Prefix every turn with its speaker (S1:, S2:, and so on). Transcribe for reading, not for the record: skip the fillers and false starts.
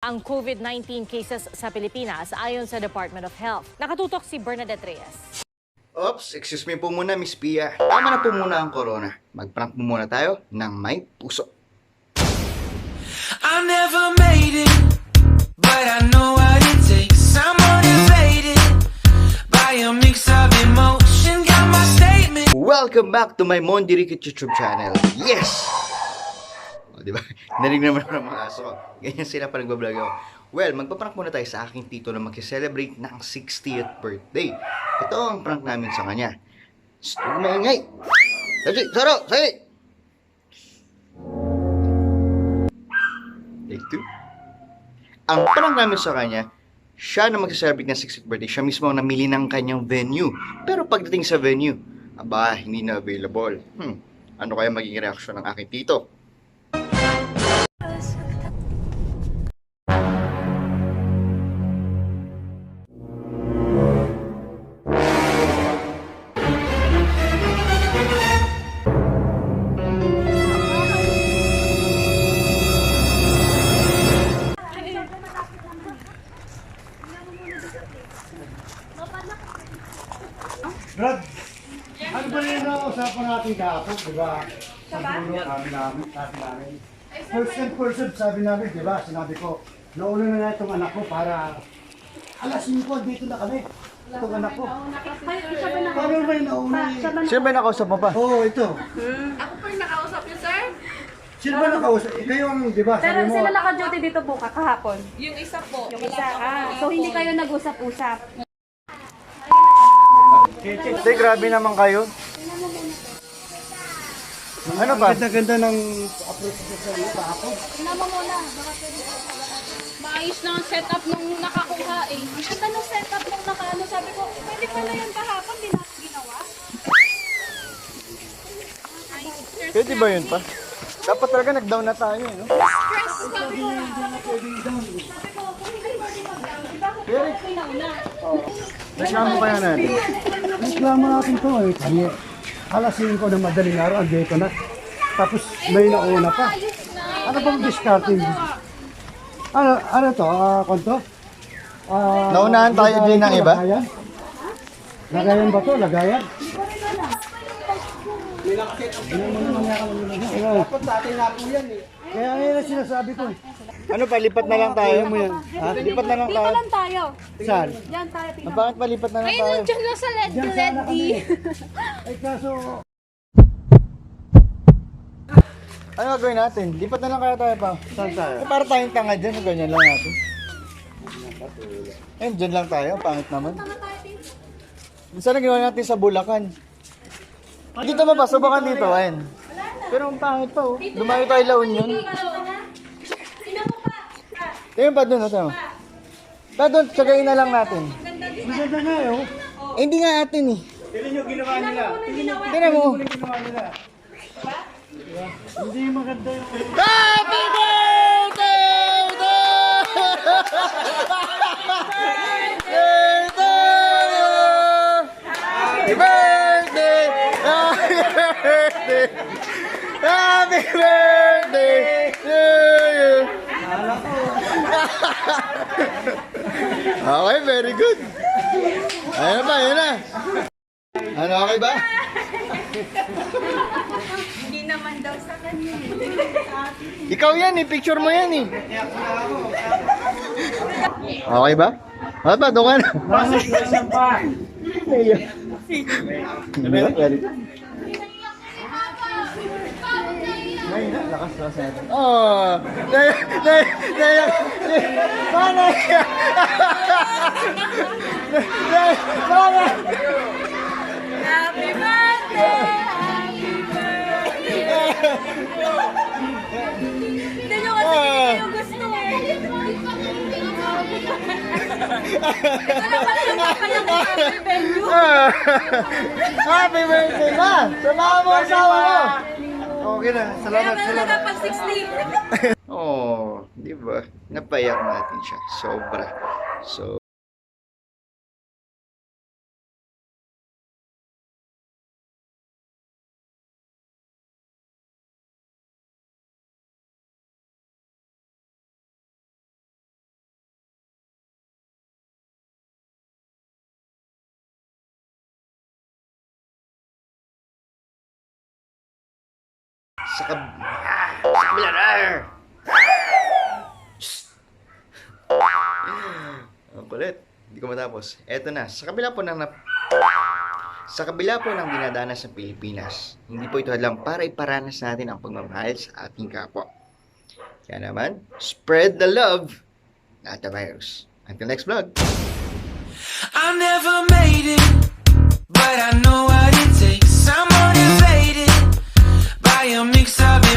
S1: ang COVID-19 cases sa Pilipinas ayon sa Department of Health. Nakatutok si Bernadette Reyes.
S2: Oops, excuse me po muna, Miss Pia. Tama na po muna ang corona. Mag-prank mo muna tayo ng may puso.
S3: I never made it, but I know what it takes. I'm motivated by a mix of emotion. Got my statement.
S2: Welcome back to my Mondirikit YouTube channel. Yes! O, diba? Narinig naman ako ng mga aso ko. Ganyan sila pa nagbablog ako. Well, magpaprank muna tayo sa aking tito na mag-celebrate ng 60th birthday. Ito ang prank namin sa kanya. Huwag maingay! Saro! Say! Take two. Ang prank namin sa kanya, siya na mag-celebrate ng 60th birthday, siya mismo ang namili ng kanyang venue. Pero pagdating sa venue, aba, hindi na available. Ano kaya magiging reaksyon ng aking tito?
S4: Brad, ano ba rin na usapan natin kahapon, di ba? Sa dulo, sabi namin. First and sabi namin, di ba? Sinabi ko, nauna na itong anak ko para alas 5, dito na kami. Itong anak ko. Paano ba yung nauna?
S2: Sino ba nakausap mo pa?
S4: Oo, ito.
S5: Ako po yung nakausap niyo, sir?
S4: Sino ba nakausap? Kayo ang, di ba?
S6: Pero
S4: Sabi mo,
S6: sila naka-duty dito po kahapon.
S5: Yung isa po.
S6: Yung isa. So hindi kayo nag-usap-usap.
S2: Tay, grabe naman kayo. Ano ba?
S4: ganda-ganda ng approach ko sa iyo kahapon.
S5: Maayos na ang setup nung nakakuha eh.
S6: Ang ganda ng setup nung naka-ano, sabi ko, pwede pala yan kahapon, di na ginawa.
S2: Pwede ba yun pa? Dapat talaga nag-down na tayo, no?
S5: Stress sabi ko.
S2: Reklamo kaya natin.
S4: Reklamo natin to eh. Kasi alas 5 ng madaling araw, andito na. Tapos may nauna pa. Ano bang discarding? Ano to? Konto?
S2: Naunahan tayo din ng iba?
S4: Lagayan? Lagayan ba to? Lagayan? Dapat sa atin na po yan eh. Kaya ngayon ang sinasabi ko eh.
S2: Ano pa, lipat na lang tayo? Ha? Lipat na lang
S6: Dito
S2: tayo?
S6: lang tayo.
S4: Saan?
S6: Diyan tayo,
S2: Ah, bakit pa lipat na lang tayo?
S5: Diyan lang sa
S4: Diyan sana kami. Ay kaso,
S2: Ano gagawin natin? Lipat na lang kaya tayo pa?
S4: saan tayo?
S2: Eh, para tayong tanga dyan, so ganyan lang natin. Eh, dyan lang tayo, pangit naman. Minsan na ginawa natin sa Bulacan. Dito mo pa, subukan dito, ayun. Pero ang pangit pa, oh. Lumayo tayo La Union. Tingnan pa doon, ito. Pa doon, tsagain na lang natin.
S4: Maganda nga eh. Oh.
S2: Eh, hindi nga atin eh.
S4: Tignan nyo ginawa nila.
S2: Tingnan mo.
S4: Ginawa nila. Hindi maganda yung...
S2: Happy birthday to Happy birthday! Happy birthday! Happy birthday to you! Okay, very good. Ayun ba, yun na. Ano, okay ba?
S6: Hindi naman daw sa kanya.
S2: Ikaw yan eh, picture mo yan eh. Okay ba? Okay ba, doon ka na. Lakas natin. Oh, paano yan? Paano?
S6: Happy birthday! Hindi nyo kasi hindi yung gusto eh. Ito naman yung kanyang happy venue.
S2: Happy birthday na! Samahan mo ang asawa mo! Okay na, salamat,
S6: Kaya
S2: salamat.
S6: pag 16.
S2: Oh, di ba? Napayak natin siya. Sobra. So, sa kabila na. Ang kulit. Hindi ko matapos. Eto na. Sa kabila po ng dinadanas ng Pilipinas, hindi po ito lang para iparanas natin ang pagmamahal sa ating kapwa. Kaya naman, spread the love, not the virus. Until next vlog.
S3: I never made it, but I know what it takes. I'm motivated by a mix of